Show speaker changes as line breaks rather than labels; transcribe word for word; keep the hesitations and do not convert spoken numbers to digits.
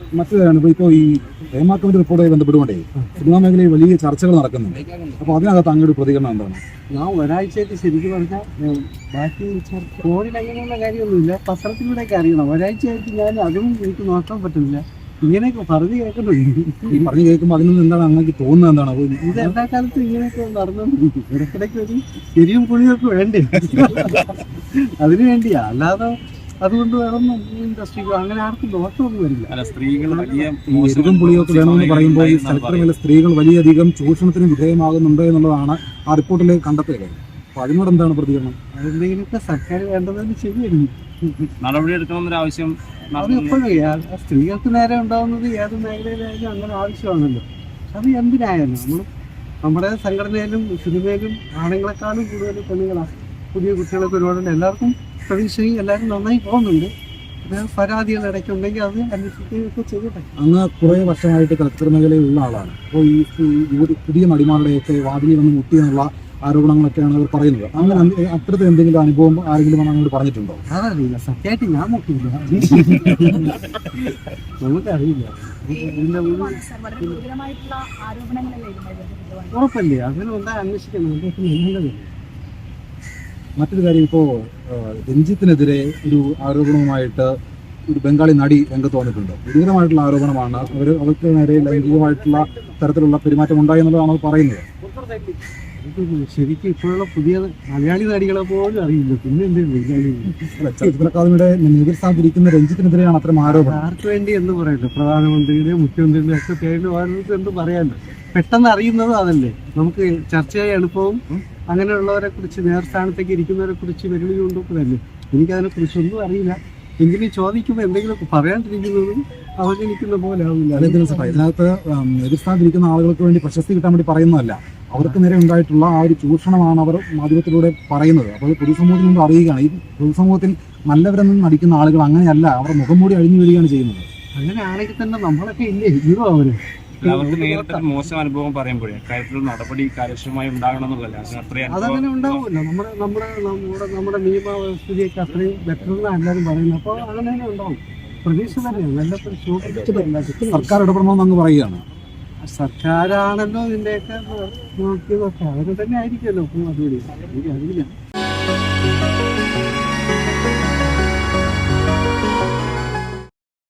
മറ്റൊരാണ് ഇപ്പോൾ ഇപ്പോൾ ഈ ഹേമ കമ്മിറ്റി റിപ്പോർട്ടുമായി ബന്ധപ്പെട്ടുകൊണ്ടേ സിനിമാ മേഖലയിൽ വലിയ ചർച്ചകൾ നടക്കുന്നുണ്ട്. അപ്പോൾ അതിനകത്ത് അങ്ങോട്ട് പ്രതികരണം എന്താണ്?
ഞാൻ ഒരാഴ്ചയായിട്ട് ശരിക്കും പറഞ്ഞാൽ ബാക്കി ഫോണിൽ അങ്ങനെയുള്ള കാര്യമൊന്നുമില്ല, പത്രത്തിലൂടെയൊക്കെ അറിയണം. ഒരാഴ്ചയായിട്ട് ഞാൻ അതും എനിക്ക് നോക്കാൻ പറ്റുന്നില്ല. ഇങ്ങനെയൊക്കെ പറഞ്ഞു കേൾക്കുന്നുണ്ട്.
ഈ പറഞ്ഞു കേൾക്കുമ്പോൾ അതിൽ നിന്ന് എന്താണ് അങ്ങനെ തോന്നുന്നത്? എന്താണ്
ഇത് എല്ലാ കാലത്തും ഇങ്ങനെയൊക്കെ നടന്നുകൊണ്ടിരിക്കും. ഇടയ്ക്കിടയ്ക്ക് ഒരു എരിയും പുളിയൊക്കെ വേണ്ടേ, അതിനു വേണ്ടിയാ. അല്ലാതെ അതുകൊണ്ട് വേണമെന്നും ഇൻഡസ്ട്രിക്കോ അങ്ങനെ ആർക്കും ദോഷമൊന്നും വരില്ല.
സ്ത്രീകൾ
എരിവും പുളിയൊക്കെ വേണമെന്ന് പറയുമ്പോൾ ഈ സ്ഥലത്തിലെ സ്ത്രീകൾ വലിയധികം ചൂഷണത്തിന് വിധേയമാകുന്നുണ്ട് എന്നുള്ളതാണ് ആ റിപ്പോർട്ടിലെ കണ്ടെത്തലുകൾ. അപ്പോൾ അതിനോട് എന്താണ് പ്രതികരണം?
അതെന്തെങ്കിലുമൊക്കെ സർക്കാർ വേണ്ടതെന്ന് ശരിയായിരുന്നു,
നടപടി എടുക്കണമെന്നൊരു ആവശ്യം
അത് എപ്പോഴും സ്ത്രീകൾക്ക് നേരെ ഉണ്ടാകുന്നത് ഏത് മേഖലയിലായാലും അങ്ങനെ ആവശ്യമാണല്ലോ. അത് എന്തിനായാലും നമ്മൾ നമ്മുടെ സംഘടനയിലും സിനിമയിലും ആണുങ്ങളെക്കാളും കൂടുതൽ പെണ്ണുങ്ങളാണ്. പുതിയ കുട്ടികളൊക്കെ ഒരുപാടുണ്ട്. എല്ലാവർക്കും പ്രതീക്ഷയും എല്ലാവരും നന്നായി പോകുന്നുണ്ട്. പരാതികൾ ഇടയ്ക്കുണ്ടെങ്കിൽ അത് അന്വേഷിക്കുകയൊക്കെ ചെയ്യട്ടെ.
അങ്ങ് കുറേ വർഷമായിട്ട് ചലച്ചിത്ര മേഖലയിലുള്ള ആളാണ്. അപ്പോൾ ഈ പുതിയ നടിമാരുടെയൊക്കെ വാതിലിൽ വന്ന് മുട്ടി എന്നുള്ള ആരോപണങ്ങളൊക്കെയാണ് അവർ പറയുന്നത്. അങ്ങനെ അത്തരത്തിൽ എന്തെങ്കിലും അനുഭവം ആരെങ്കിലും അങ്ങോട്ട് പറഞ്ഞിട്ടുണ്ടോ?
അതറിയില്ല, സത്യമായിട്ട് ഞാൻ നോക്കിയില്ല, നമുക്കറിയില്ല. ഉറപ്പല്ലേ, അങ്ങനെ ഉണ്ടാ അന്വേഷിക്കണം. നല്ലതല്ലേ.
മറ്റൊരു കാര്യം, ഇപ്പോൾ രഞ്ജിത്തിനെതിരെ ഒരു ആരോപണവുമായിട്ട് ഒരു ബംഗാളി നടി രംഗത്ത് വന്നിട്ടുണ്ട്. ഗുരുതരമായിട്ടുള്ള ആരോപണമാണ്. അവർ അവർക്ക് നേരെ ലൈംഗികമായിട്ടുള്ള തരത്തിലുള്ള പെരുമാറ്റം ഉണ്ടായി എന്നുള്ളതാണ് അവർ പറയുന്നത്.
ശരിക്കും ഇപ്പോഴുള്ള പുതിയ മലയാളി നടികളെ പോലും അറിയില്ല, പിന്നെ എന്തെങ്കിലും
ചലച്ചിത്ര അക്കാദമിയുടെ നേതൃസ്ഥാനത്തിരിക്കുന്ന രഞ്ജിത്തിനെതിരെയാണ് അത്തരം ആരോപണം.
ആർക്ക് വേണ്ടി എന്ന് പറയല്ലോ, പ്രധാനമന്ത്രിയുടെ മുഖ്യമന്ത്രിയുടെ ഒക്കെ പേരിൽ ഓരോരുത്തർ എന്ത് പറയാമല്ലോ. പെട്ടെന്ന് അറിയുന്നതും അതല്ലേ, നമുക്ക് ചർച്ചയായി എളുപ്പവും. അങ്ങനെയുള്ളവരെ കുറിച്ച് നേർസ്ഥാനത്തേക്ക് ഇരിക്കുന്നവരെ കുറിച്ച് വെല്ലുവിളി കൊണ്ടുപോകുന്നതല്ലേ. എനിക്കതിനെ കുറിച്ചൊന്നും അറിയില്ല. എങ്കിലും ചോദിക്കുമ്പോൾ എന്തെങ്കിലുമൊക്കെ പറയാണ്ടിരിക്കുന്നതും അവഗണിക്കുന്ന പോലെ ആവില്ല.
അതേ ദിവസം ഇതിനകത്ത് നേതൃസ്ഥാനത്തിരിക്കുന്ന ആളുകൾക്ക് വേണ്ടി പ്രശസ്തി കിട്ടാൻ വേണ്ടി പറയുന്നതല്ല, അവർക്ക് നേരെ ഉണ്ടായിട്ടുള്ള ആ ഒരു ചൂഷണമാണ് അവർ മാധ്യമത്തിലൂടെ പറയുന്നത്. അപ്പോൾ പൊതുസമൂഹത്തിൽ നിന്ന് അറിയുകയാണ്, ഈ പൊതുസമൂഹത്തിൽ നല്ലവരെന്ന് നടിക്കുന്ന ആളുകൾ അങ്ങനെയല്ല, അവർ മുഖം മൂടി അഴിഞ്ഞു വീഴുകയാണ് ചെയ്യുന്നത്.
അങ്ങനെ ആണെങ്കിൽ തന്നെ നമ്മളൊക്കെ ഇല്ലേ ഹീറോ അവര്.
അവർക്ക് നേരിട്ട് മോശം അനുഭവം പറയുമ്പോഴേ കാര്യത്തിൽ നടപടി കാര്യക്ഷമമായി ഉണ്ടാകണം എന്നുള്ളതല്ല.
അതങ്ങനെ ഉണ്ടാവുമല്ലോ. നമ്മുടെ നമ്മുടെ നമ്മുടെ നമ്മുടെ നിയമവ്യവസ്ഥയൊക്കെ അത്രയും ബെറ്റർ എന്നാണ് എല്ലാവരും പറയുന്നത്. അപ്പോൾ അങ്ങനെ തന്നെ ഉണ്ടാവും. പ്രതീക്ഷ തന്നെയാണ്. നല്ല
സർക്കാർ ഇടപെടണമെന്ന് അങ്ങ് പറയുകയാണ്.
സർക്കാരാണല്ലോ ഇതിൻ്റെയൊക്കെ നോക്കിയതൊക്കെ അവരെ തന്നെ ആയിരിക്കുമല്ലോ. അപ്പോൾ അതുകൂടി എനിക്ക് അറിയില്ല.